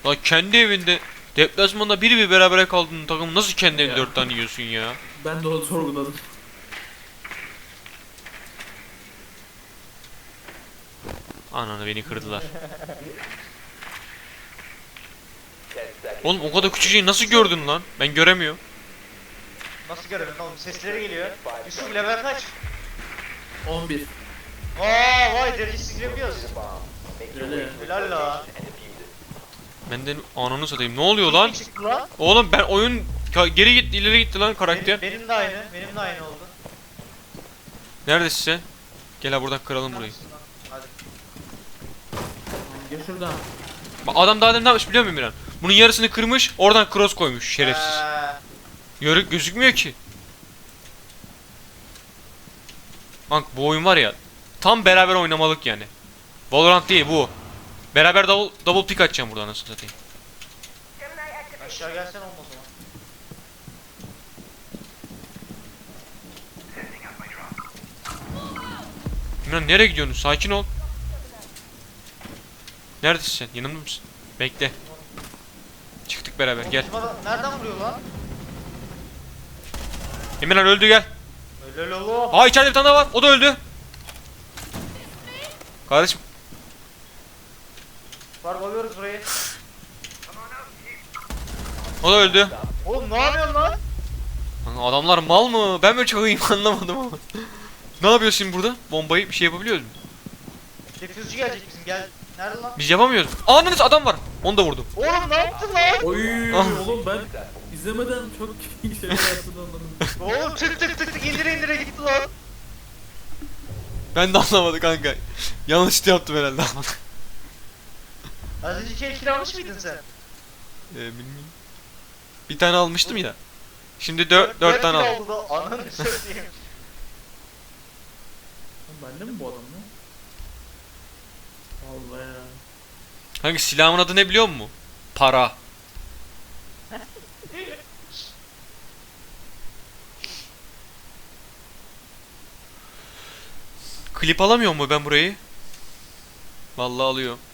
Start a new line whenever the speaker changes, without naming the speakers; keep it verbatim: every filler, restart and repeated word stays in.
Lan kendi evinde deplasmanda bir bir berabere kaldığın takım nasıl kendi evinde dört tane yiyorsun ya?
Ben de onu sorguladım.
Ananı beni kırdılar. Oğlum o kadar küçük şeyi nasıl gördün lan? Ben göremiyorum.
Nasıl görüyorsun oğlum? Sesleri geliyor. Yusuf level kaç?
on bir.
Aa vay derecesiz girebiliyoruz.
Öyle.
Helal la.
Benden ananı satayım. Ne oluyor lan?
Ne çıktı lan?
Oğlum ben oyun ka- geri gitti ileri gitti lan karakter.
Benim, benim de aynı. Benim de aynı oldu.
Neredesin sen? Gel ha buradan kıralım burayı.
Hadi.
Gel şuradan.
Bak adam daha demin ne yapmış biliyor musun Miran? Bunun yarısını kırmış oradan cross koymuş şerefsiz.
Ee,
Yörük gözükmüyor ki. Bak bu oyun var ya tam beraber oynamalık yani. Valorant değil bu. Beraber double, double pick atacağım buradan nasıl satayım.
aşağı gelsen olmaz o zaman.
Miran nereye gidiyorsun? Sakin ol. Neredesin sen? Yanımda mısın? Bekle. Çıktık beraber gel.
Bizim adam nereden vuruyor lan?
Emirhan öldü gel.
Helal oğlum.
Aa içeride bir tane daha var. O da öldü. Kardeşim.
Var bakıyoruz burayı.
O da öldü.
Oğlum ne yapıyorsun lan?
Lan adamlar mal mı? Ben mi çok iyiyim anlamadım ama. Ne yapıyorsun şimdi burada? Bombayı bir şey yapabiliyoruz mu?
Defüzcü gelecek bizim gel. Nerede lan?
Biz yapamıyoruz. Ananız adam var. Onu da vurdum.
Oğlum ne yaptın lan?
Oy
Ah.
oğlum ben izlemeden çok iyi şeyler yaptığını anladım.
Oğlum tık tık tık tık indire indire gitti lan.
Ben de anlamadım kanka. Yanlış yaptım herhalde.
Az önce iki kill almış mıydın sen?
ee, bilmiyorum. Bir tane almıştım ya. Şimdi dört, dört tane al.
aldı da ananı satayım.
Lan bende mi bu adam lan? Allah ya.
Kanka silahımın adı ne biliyor musun? Para. Klip alamıyor mu ben burayı? Vallahi alıyor.